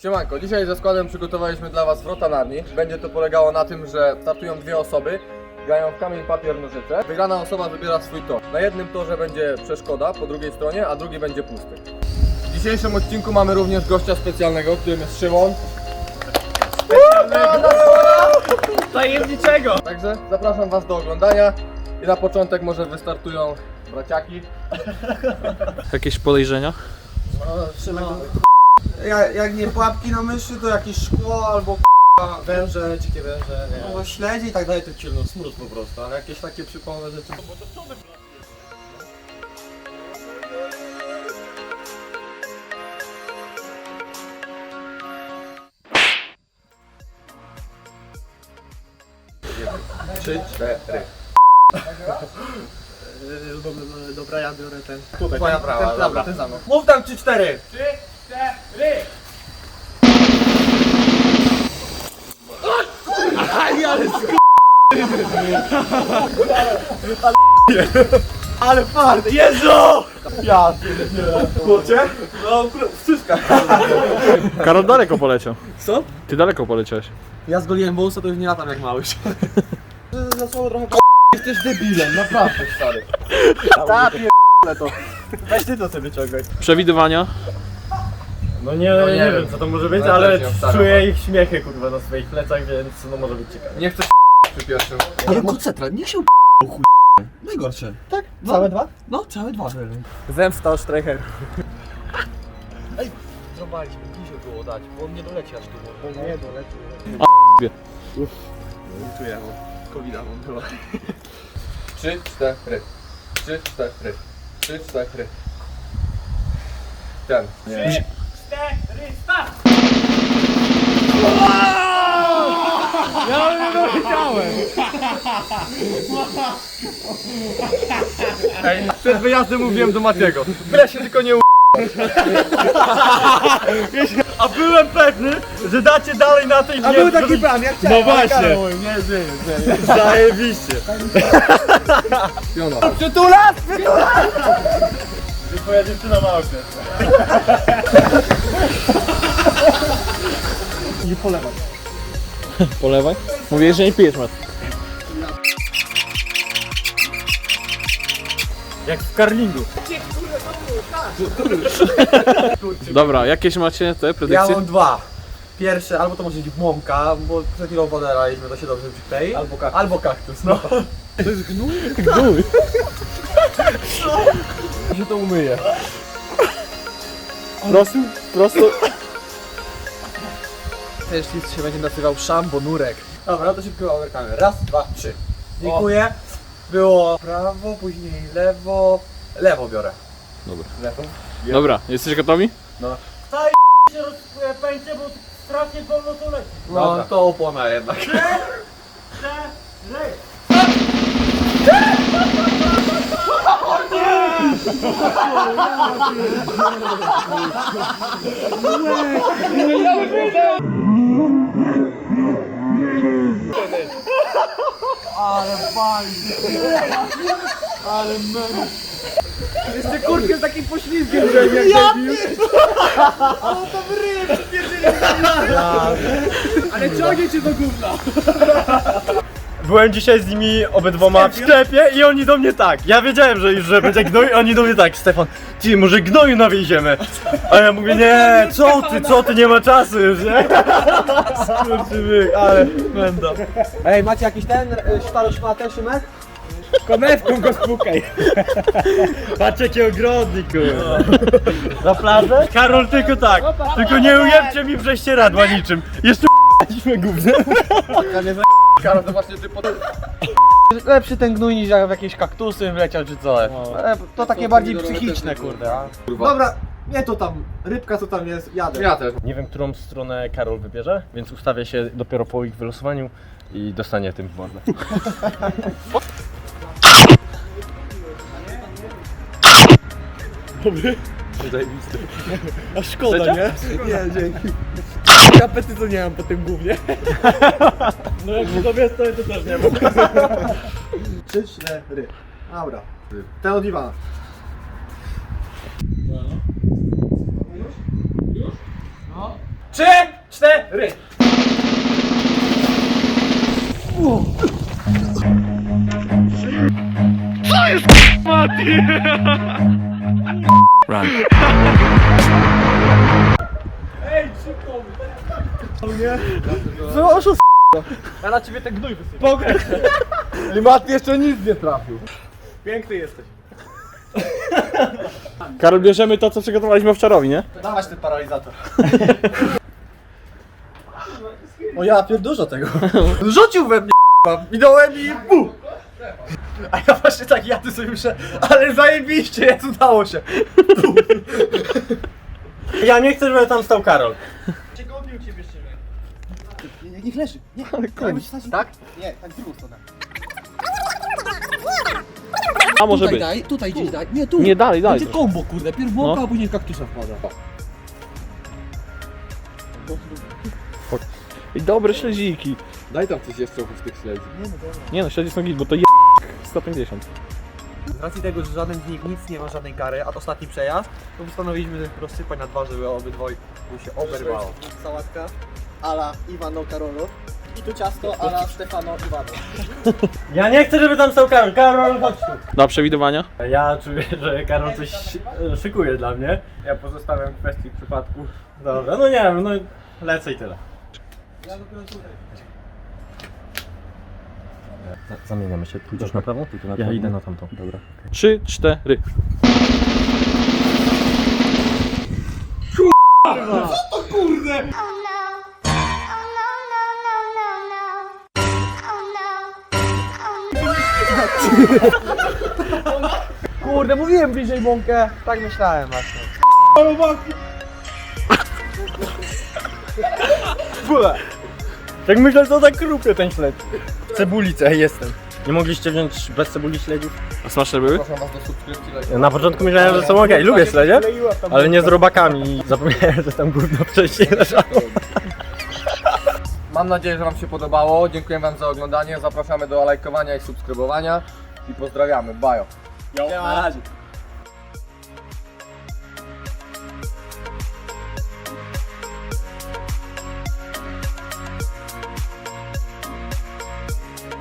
Siemanko, dzisiaj ze składem przygotowaliśmy dla Was Wrota Narni. Będzie to polegało na tym, że startują dwie osoby, grają w kamień, papier, nożyce. Wygrana osoba wybiera swój tor. Na jednym torze będzie przeszkoda po drugiej stronie, a drugi będzie pusty. W dzisiejszym odcinku mamy również gościa specjalnego, którym jest Szymon. Tajemniczego! Także zapraszam Was do oglądania i na początek może wystartują braciaki. Jakieś podejrzenia? Jak nie pułapki na myszy, to jakieś szkło albo węże, dzikie węże, nie. No śledzie i tak dalej, to ciemno, smród po prostu, ale jakieś takie przypomnę rzeczy. Trzy, cztery. Dobra, ja biorę ten. Tutaj, twoja prawa, dobra. Ten za mną. Mów tam 3-4! 3-4! Ale fart! Jezu! Ja kurczę? No, wszystko. Karol daleko poleciał. Co? Ty daleko poleciałeś. Ja zgoliłem wąsa, to już nie latam jak małyś. Za słowo trochę Jesteś debilem, naprawdę stary. ta pierdolę to. Weź ty to sobie wyciągaj. Przewidywania? No nie wiem co to może być, No ale też nie obstawiam. czuję ich śmiechy kurwa na swoich plecach, więc no może być ciekawe. Nie chcę przy pierwszym. Ale koncentra, niech się chuj. Najgorsze. Tak? Całe dwa? No, całe dwa. Zemsta o Streicher. Ej, zrobiliśmy, bliżej było dać, bo on nie doleci aż tu. Nie doleci. Wie. Czuję, bo COVID-a mam chyba. 3, 4. 3, 4. 3, 4. Ten. Nie. Ej, przed wyjazdem mówiłem do Matiego, byle się tylko nie A byłem pewny, że dacie dalej na tej A był taki plan, jak chciałem. No właśnie. Nie żyję. Zajebiście. Piona. Przytulas! Że twoja dziewczyna ma okres. Nie polewaj. Polewaj. Mówiłeś, że nie pijesz, Mat. Jak w karlingu. Dobra, jakieś macie te Ja predykcje? mam dwa. Pierwsze, albo to może być mąka, bo przed chwilą wodę laliśmy, to się dobrze przyklei. Albo kaktus, no. To jest gnój? Gnój. się to umyje. Prosto. Też list się będzie nazywał szambonurek. Dobra, to szybko oberkamy. Raz, dwa, trzy. Dziękuję. Było prawo, później lewo. Lewo biorę. Dobra. Lewo. Dobra, jesteś gotowi? się rozpędzie, bo strasznie wolno to leci. No Dobra. to opona jednak. Jeszcze kurkę z takim poślizgiem, że jak debil. Ale ciągnie cię do gówna. Byłem dzisiaj z nimi obydwoma w sklepie i oni do mnie tak. Ja wiedziałem, że już że będzie gnój, oni do mnie tak, Stefan, ty może gnoju nawieziemy. A ja mówię, nie, co ty, nie ma czasu już, nie? Skurczybyk, ale będą. Ej, macie jakiś ten szmatę, Szymek? Konewką go spukaj. Patrz jaki ogrodnik, kurwa. Na plażę? Karol, tylko tak, tylko nie ujebcie mi prześcieradła niczym. Jeszcze p***liśmy gównem. Karol, to właśnie ty pod... Lepszy ten gnój niż jak w jakieś kaktusy wleciał czy co. To takie bardziej psychiczne, kurde. Dobra, nie to tam, rybka co tam jest, jadę. Ja też. Nie wiem, którą stronę Karol wybierze, więc ustawię się dopiero po ich wylosowaniu i dostanie tym w mordę. A szkoda, nie? Nie, dzięki. Apetytu nie mam po tym głównie. No jak to wiesz, to też nie mam. 3, 4. Dobra. Ten od Iwana. 3, 4. Ja na ciebie ten gnój wysypię. I Mat jeszcze nic nie trafił. Piękny jesteś. Karol, bierzemy to, co przygotowaliśmy owczarowi, nie? Dawać ten paralizator. O ja pier dużo tego. Rzucił we mnie minąłem i bu! A ja właśnie tak jadę sobie myślę, ale zajebiście, jest, udało się. Ja nie chcę, żeby tam stał Karol. Niech leży. Nie, Tak? Nie, tak w drugą stronę. A może być. Daj, tutaj gdzieś daj. Nie, tu. Nie, dalej, dalej. Będzie kombo, kurde. Pierw błąka, No. a później w kaktusa wpada. I dobre śledziki. Daj tam coś jeszcze oprócz tych śledzi. Nie no, śledzi są git, bo to 150. Z racji tego, że żaden z nich nic nie ma żadnej kary, a to ostatni przejazd, to postanowiliśmy rozsypać na dwa, żeby obydwoj się oberwało. Sałatka ala Iwano Karolo i tu ciasto ala Stefano Iwano. Ja nie chcę, żeby tam stał Karol. Karol, chodź tu. Do przewidywania? Ja czuję, że Karol coś szykuje dla mnie. Ja pozostawiam kwestii przypadku. Dobra, no nie wiem, no lecę i tyle. Zamieniamy się. Pójdziesz na prawo? Ty tu na prawo. Ja idę na tamtą. Dobra. 3, 4. Oh no. Oh no, no, no, no, no. Oh no. Kurde, mówiłem bliżej mąkę. Tak myślałem właśnie. Tak myślę, że tak krupie ten śledź. W cebulice jestem. Nie mogliście wziąć bez cebuli śledziów? A smaczne były? Proszę was do subskrypcji. Na początku myślałem, że są okej. Lubię śledzie, ale nie z robakami. Zapomniałem, że tam gówno wcześniej leżało. Mam nadzieję, że wam się podobało. Dziękuję wam za oglądanie. Zapraszamy do lajkowania i subskrybowania. I pozdrawiamy. Bajo. Na razie.